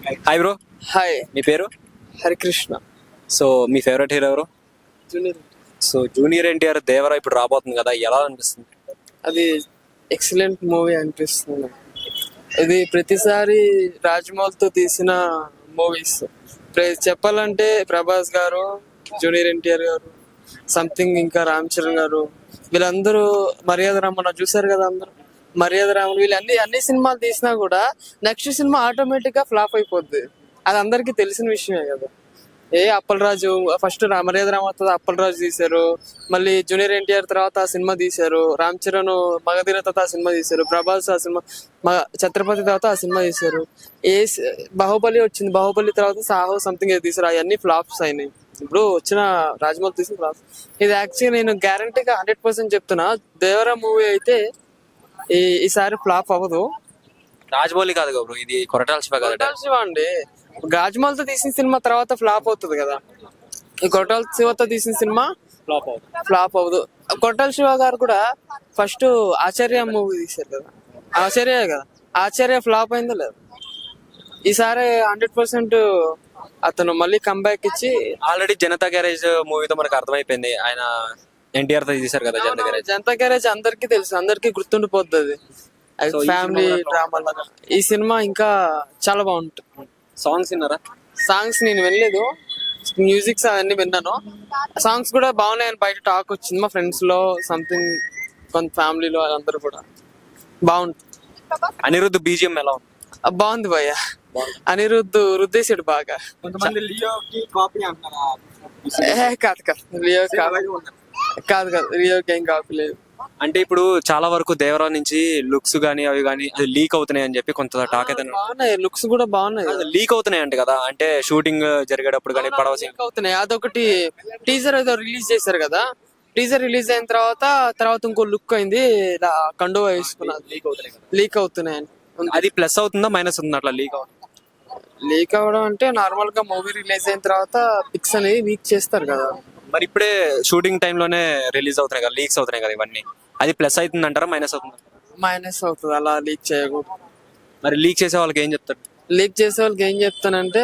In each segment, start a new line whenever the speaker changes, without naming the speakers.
Hi bro,
hi.
మీ పేరు?
Harikrishna.
So మీ ఫేవరెట్ హీరో ఎవరు?
Junior.
So junior NTR Devara ఇప్పుడు రాబోతుంది కదా, ఎలా అనిపిస్తుంది?
అది ఎక్సలెంట్ మూవీ అనిపిస్తుంది. ఇది ప్రతిసారి రాజమౌళితో తీసిన మూవీస్. చెప్పాలంటే ప్రభాస్ గారు, జూనియర్ ఎన్టీఆర్ గారు, సంథింగ్ ఇంకా రామ్ చరణ్ గారు, వీళ్ళందరూ మర్యాద రామన్న చూసారు కదా అందరూ. మర్యాద రామన్ వీళ్ళు అన్ని సినిమాలు తీసినా కూడా నెక్స్ట్ సినిమా ఆటోమేటిక్ గా ఫ్లాప్ అయిపోద్ది. అది అందరికీ తెలిసిన విషయమే కదా. అప్పలరాజు ఫస్ట్ మర్యాద రామతో అప్పలరాజు తీశారు, మళ్ళీ జూనియర్ ఎన్టీఆర్ తర్వాత ఆ సినిమా తీశారు, రామ్ చరణ్ మగధీర తర్వాత ఆ సినిమా తీశారు, ప్రభాస్ ఆ సినిమా ఛత్రపతి తర్వాత ఆ సినిమా తీశారు, బాహుబలి వచ్చింది, బాహుబలి తర్వాత సాహో సంథింగ్ ఏదో తీశారు, అవన్నీ ఫ్లాప్స్ అయినాయి. ఇప్పుడు వచ్చిన రాజమౌళి తీసిన ఫ్లాప్స్. ఇది యాక్చువల్లీ నేను గ్యారంటీగా 100% చెప్తున్నా, దేవరా మూవీ అయితే ఈసారి ఫ్లాప్ అవ్వదు.
రాజమౌళి కాదు కదా బ్రో, ఇది కొరటాల శివ కదా.
కొరటాల శివ అండి, రాజమౌళితో తీసిన సినిమా తర్వాత ఫ్లాప్ అవుతుంది కదా. ఈ కొరటాల శివతో తీసిన సినిమా ఫ్లాప్ అవ్వదు. కొరటాల శివ గారు కూడా ఫస్ట్ ఆచార్య మూవీ తీశారు కదా, ఆచార్య కదా, ఆచార్య ఫ్లాప్ అయిందో లేదు. ఈసారి 100% అతను మళ్ళీ కంబ్యాక్ ఇచ్చి
ఆల్రెడీ జనతా గ్యారేజ్ మూవీతో మనకు అర్థమైపోయింది, ఆయన ఎన్టీఆర్ తో తీశారు కదా జనతా గ్యారేజ్.
జనతా గ్యారేజ్ అందరికీ తెలుసు, అందరికీ గుర్తుండిపోతుంది.
So, ఈ
ఫ్యామిలీ
సినిమా
డ్రామా లాగా ఈ సినిమా ఇంకా చాలా బాగుంటుంది.
సాంగ్స్ విన్నారా?
సాంగ్స్ నేను వినలేదు, మ్యూజిక్స్ అవన్నీ విన్నాను. సాంగ్స్ కూడా బాగున్నాయని బయట టాక్ వచ్చింది మా ఫ్రెండ్స్ లో, సంథింగ్ కొంత ఫ్యామిలీలో అందరూ కూడా బాగుంటుంది.
అనిరుద్ధ్ బీజిఎం ఎలా ఉంది?
బాగుంది భయ్య, అనిరుద్ధ్ రుద్దేశాడు బాగా.
కొంతమంది లియోకి కాపీ అంటారా?
కాదు కాదు, లియో కాదు కాదు, లియోకి ఏం కాపీ లేదు.
అంటే ఇప్పుడు చాలా వరకు దేవరా నుంచి లుక్స్ గానీ అవి గానీ అది లీక్ అవుతున్నాయి అని చెప్పి కొంత టాక్ అయితే
బాగున్నాయి, లుక్స్ కూడా బాగున్నాయి.
లీక్ అవుతున్నాయి అంట కదా, అంటే షూటింగ్ జరిగేటప్పుడు కానీ పడవ scene.
లీక్ అవుతున్నాయి. అదొకటి టీజర్ ఏదో రిలీజ్ చేశారు కదా, టీజర్ రిలీజ్ అయిన తర్వాత ఇంకో లుక్ అయింది, ఇలా కండువా వేసుకున్నారు, లీక్ అవుతున్నాయి అని.
అది ప్లస్ అవుతుందా మైనస్ అవుతుందా అట్లా లీక్ అవుతుంది?
లీక్ అవ్వడం అంటే నార్మల్ గా మూవీ రిలీజ్ అయిన తర్వాత పిక్స్ అనేది లీక్ చేస్తారు కదా.
మరి ఇప్పుడే షూటింగ్ టైమ్ లోనే రిలీజ్ అవుతున్నాయి కదా, లీక్స్ అవుతున్నాయి కదా ఇవన్నీ, అది ప్లస్ అవుతుంది అంటారా మైనస్ అవుతుంది?
మైనస్ అవుతుంది, అలా లీక్ చేయకూడదు.
మరి లీక్ చేసే వాళ్ళకి ఏం చెప్తారు?
లీక్ చేసే వాళ్ళకి ఏం చెప్తానంటే,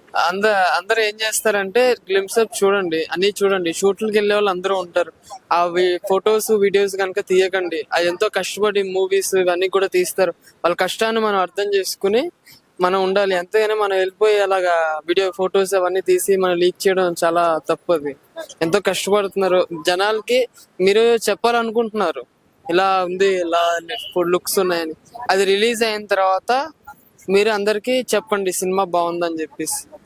అందరూ ఏం చేస్తారంటే గ్లిమ్స్ అప్ చూడండి, అన్ని చూడండి, షూట్లకి వెళ్ళే వాళ్ళు అందరూ ఉంటారు. అవి ఫొటోస్ వీడియోస్ కనుక తీయకండి. అది ఎంతో కష్టపడి మూవీస్ ఇవన్నీ కూడా తీస్తారు, వాళ్ళ కష్టాన్ని మనం అర్థం చేసుకుని మనం ఉండాలి. ఎంతైనా మనం వెళ్ళిపోయి అలాగా వీడియో ఫొటోస్ అవన్నీ తీసి మనం లీక్ చేయడం చాలా తప్పది. ఎంతో కష్టపడుతున్నారు జనాలకి, మీరు చెప్పాలనుకుంటున్నారు ఇలా ఉంది, ఇలా లుక్స్ ఉన్నాయని. అది రిలీజ్ అయిన తర్వాత మీరు అందరికి చెప్పండి సినిమా బాగుందని చెప్పేసి.